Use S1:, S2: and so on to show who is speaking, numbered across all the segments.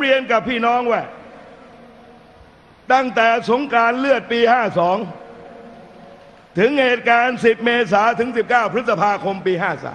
S1: เรียนกับพี่น้องว่าตั้งแต่สงกรานต์เลือดปี 52ถึงเหตุการณ์10 เมษายนถึง19 พฤษภาคมปี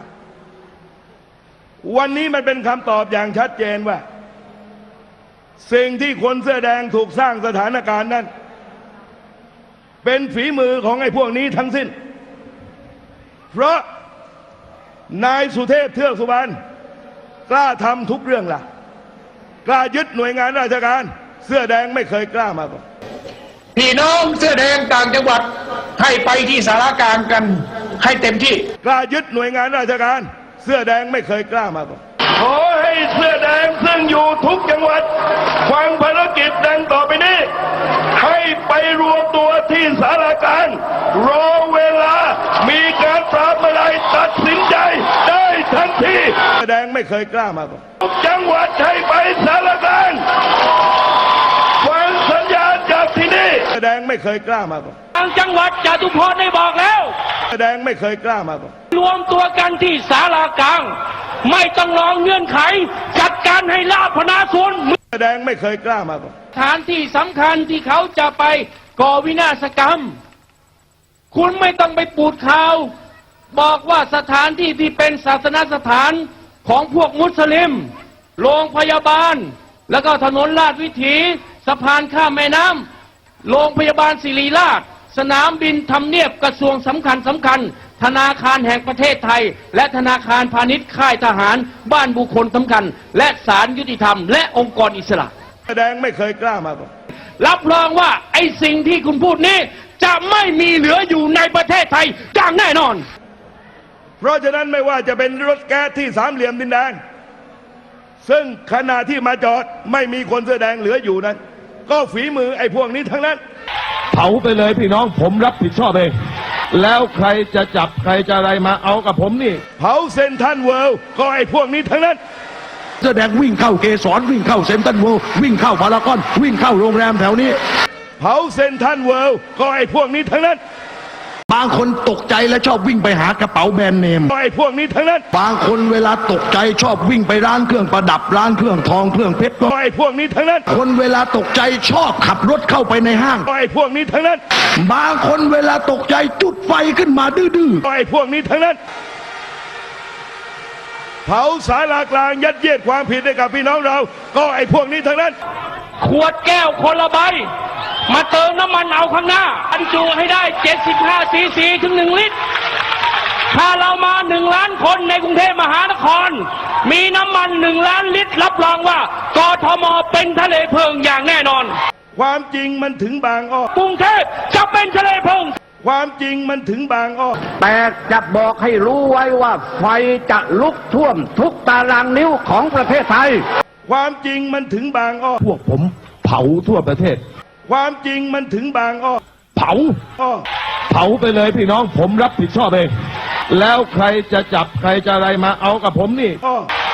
S1: 53วันนี้มันเป็นคำตอบอย่างชัดเจนว่าสิ่งที่คนเสื้อแดงถูกสร้างสถานการณ์นั้นเป็นฝีมือของไอ้พวกนี้ทั้งสิ้นเพราะนายสุเทพเทือกสุบรรณกล้าทำทุกเรื่องล่ะกล้ายึดหน่วยงานราชการเสื้อแดงไม่เคยกล้ามาก่อน
S2: พี่น้องเสื้อแดงต่างจังหวัดให้ไปที่สารกลางกันให้เต็มที่
S1: กล้ายึดหน่วยงานราชการเสื้อแดงไม่เคยกล้ามาก่อนขอให้เสื้อแดงซึ่งอยู่ทุกจังหวัดฟังภารกิจดังต่อไปนี้ให้ไปรวมตัวที่สารกลางรอเวลามีการปราบอะไรตัดสินใจได้ทันทีเสื้อแดงไม่เคยกล้ามาก่อนทุกจังหวัดให้ไปสารกลางฟังสัญญาณจากที่นี่เสื้อแดงไม่เคยกล้ามาก่อน
S3: ทางจังหวัดจตุพรได้บอกแล้ว
S1: เสื้อแดงไม่เคยกล้ามาก่อน
S3: รวมตัวกันที่ศาลากลางไม่ต้องรอเงื่อนไขจัดการให้ราษฎรส่วน
S1: เสื้อแดงไม่เคยกล้ามาก่อน
S3: สถานที่สำคัญที่เขาจะไปก่อวินาศกรรมคุณไม่ต้องไปปูดข่าวบอกว่าสถานที่ที่เป็นศาสนสถานของพวกมุสลิมโรงพยาบาลแล้วก็ถนนลาดวิถีสะพานข้ามแม่น้ำโรงพยาบาลศิริราชสนามบินทำเนียบกระทรวงสำคัญธนาคารแห่งประเทศไทยและธนาคารพาณิชย์ค่ายทหารบ้านบุคคลสำคัญและศาลยุติธรรมและองค์กรอิสระ
S1: แสดงไม่เคยกล้ามาก่อน
S3: รับรองว่าไอ้สิ่งที่คุณพูดนี้จะไม่มีเหลืออยู่ในประเทศไทยอย่างแน่นอน
S1: เพราะฉะนั้นไม่ว่าจะเป็นรถแก๊สที่สามเหลี่ยมดินแดงซึ่งขณะที่มาจอดไม่มีคนเสื้อแดงเหลืออยู่นั้นก็ฝีมือไอ้พวกนี้ทั้งนั้น
S4: เผาไปเลยพี่น้องผมรับผิดชอบเองแล้วใครจะจับใครจะอะไรมาเอากับผมนี่
S1: เผาเซนทันเวิลด์ก็ไอ้พวกนี้ทั้งนั้น
S4: เสื้อแดงวิ่งเข้าเกสรวิ่งเข้าเซนทันเวิลด์วิ่งเข้าพารากอนวิ่งเข้าโรงแรมแถวนี้
S1: เผาเซนทันเวิลด์ก็ไอ้พวกนี้ทั้งนั้น
S4: บางคนตกใจและชอบวิ่งไปหากระเป๋าแบรนด์เนม
S1: ไอ้พวกนี้ทั้งนั้น
S4: บางคนเวลาตกใจชอบวิ่งไปร้านเครื่องประดับร้านเครื่องทองเครื่องเพชร
S1: ไอ้พวกนี้ทั้งนั้น
S4: คนเวลาตกใจชอบขับรถเข้าไปในห้าง
S1: ไอ้พวกนี้ทั้งนั้น
S4: บางคนเวลาตกใจจุดไฟขึ้นมาดื้อ
S1: ๆไอ้พวกนี้ทั้งนั้นเผาศาลากลางยัดเยียดความผิดให้กับพี่น้องเราก็ไอ้พวกนี้ทั้งนั้น
S3: ขวดแก้วคนละใบมาเติมน้ำมันเอาข้างหน้าบรรจุให้ได้75 ซีซีถึง1 ลิตรถ้าเรามา1 ล้านคนในกรุงเทพมหานครมีน้ำมัน1 ล้านลิตรรับรองว่ากทมเป็นทะเลเพลิงอย่างแน่นอน
S1: ความจริงมันถึงบางอ้อก
S3: รุงเทพจะเป็นทะเลเพลิง
S1: ความจริงมันถึงบางอ้อ
S2: แต่จะบอกให้รู้ไว้ว่าไฟจะลุกท่วมทุกตารางนิ้วของประเทศไทย
S1: ความจริงมันถึงบางอ้อ
S4: พวกผมเผาทั่วประเทศ
S1: ความจริงมันถึงบางอ้อ
S4: เผาไปเลยพี่น้องผมรับผิดชอบเองแล้วใครจะจับใครจะอะไรมาเอากับผมนี่